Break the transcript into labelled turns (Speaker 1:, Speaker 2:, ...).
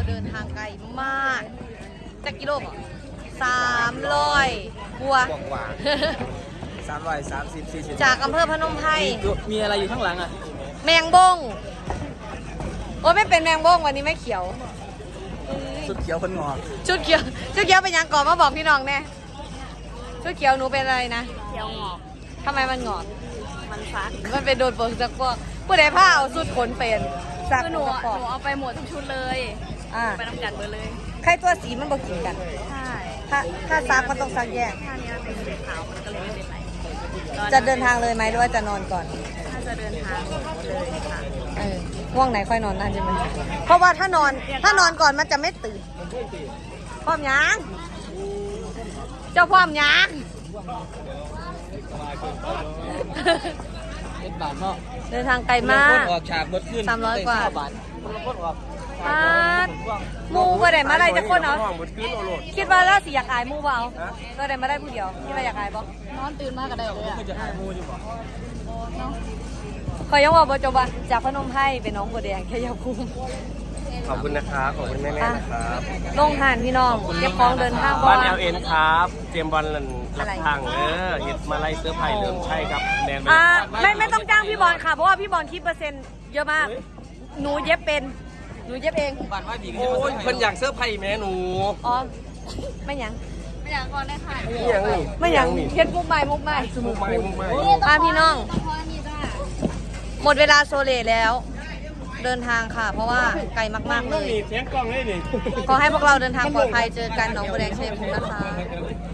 Speaker 1: เดินทางไกลมากจากกิโลก300กว่า
Speaker 2: 330-40
Speaker 1: จากอำเภอพนมไพร
Speaker 2: มีอะไรอยู่ข้างหลังอ่ะ
Speaker 1: แมงบงโอ้ไม่เป็นแมงบงวันนี้ไม่เขียว
Speaker 2: สุดเขียวคนงอก
Speaker 1: ชุดเขียวเป็นยังก่อนมาบอกพี่น้องแน่ชุดเขียวหนูเป็นอะไรนะ
Speaker 3: เขียวงอก
Speaker 1: ทำไมมันงอก
Speaker 3: มันฟัก
Speaker 1: มันเป็นโดนฝนจากพวกผู้ใดผ้าเอาสุดขนเป็นสัก
Speaker 3: คือห
Speaker 1: ห
Speaker 3: นู
Speaker 1: นูปอก
Speaker 3: เอาไปหมดทุกชุดเลย
Speaker 1: อ่า
Speaker 3: ไปน้ำกัดเบอร์เลย
Speaker 1: ใครตัวสีมันบอกกินกัน
Speaker 3: ใช่
Speaker 1: ถ้าซักมันต้องซักแยก
Speaker 3: ถ้านี้เป็นสีขาวมันก็เลยไม่เป็นไร
Speaker 1: จะเดินทางเลยไหมหรือว่าจะนอนก่อน
Speaker 3: ถ้าจะเดินทางเลยค่ะ
Speaker 1: ง่วงไหนค่อยนอนนั่นใช่ไหมเพราะว่าถ้านอนก่อนมันจะไม่ตื่นพร้อมยังเจ้าพร้อมยัง
Speaker 2: เป็นบาทเนาะ
Speaker 1: เดินทางไกลมาก
Speaker 2: ออกฉากรถขึ้น
Speaker 1: 300กว่า
Speaker 2: บาทคนละคนออก
Speaker 1: ปาดหมูก็ได้มาได้จะคนเอา
Speaker 2: หมดขึ้นโอโลด
Speaker 1: คิดว่าแล้วสิอยากอายหมูเปล่าก็ได้มาได้ผู้เดียวคิดว่าอยากอายบ่
Speaker 3: นอนตื่นมากก็ได้เลยอ่ะ
Speaker 2: คือจะหายมูอยู่บ่
Speaker 1: ขอยังว่าบ่จบว่าจากพนมไพรเป็นน้องบัวแดงแค่ยาภูมิ
Speaker 2: ขอบคุณนะครับขอบคุณแม่ๆนะครับ
Speaker 1: ลงหานพี่น้องเก็บของเดินทาง
Speaker 4: บ้าน
Speaker 1: ว่า
Speaker 4: LN ครับ เตรียมบอลหลักทางเฮ็ดมาไล่เสื้อไผ่เริ่มใช่ครับแดน
Speaker 1: ไม่ต้องจ้างพี่บอลค่ะเพราะว่าพี่บอลคิดเปอร์เซ็นต์เยอะมาก หนูเย็บเป็นหนูเย็บเอง
Speaker 2: บ้านว่าดีกัน
Speaker 4: โอ้ยเพิ่นอยากเสื้อไผ่แม่หนู
Speaker 1: อ๋อไม่หยัง
Speaker 3: ไม่อยากก่อนได้ค่ะ
Speaker 4: นี่ยังนี่
Speaker 1: ไม่หยังเฮ็ดมุกใหม่
Speaker 4: มุกไม่
Speaker 1: พี่น้อง
Speaker 3: ต้องพอนี่จ้า
Speaker 1: หมดเวลาโซเลแล้ว เดินทางค่ะ เพราะว่าไกลมากๆเลย
Speaker 4: นี่เสียงกล้องเลยนี่
Speaker 1: ขอให้พวกเราเดินทางปลอดภัยเจอกันหนองบัวแดงชัยภูมินะคะ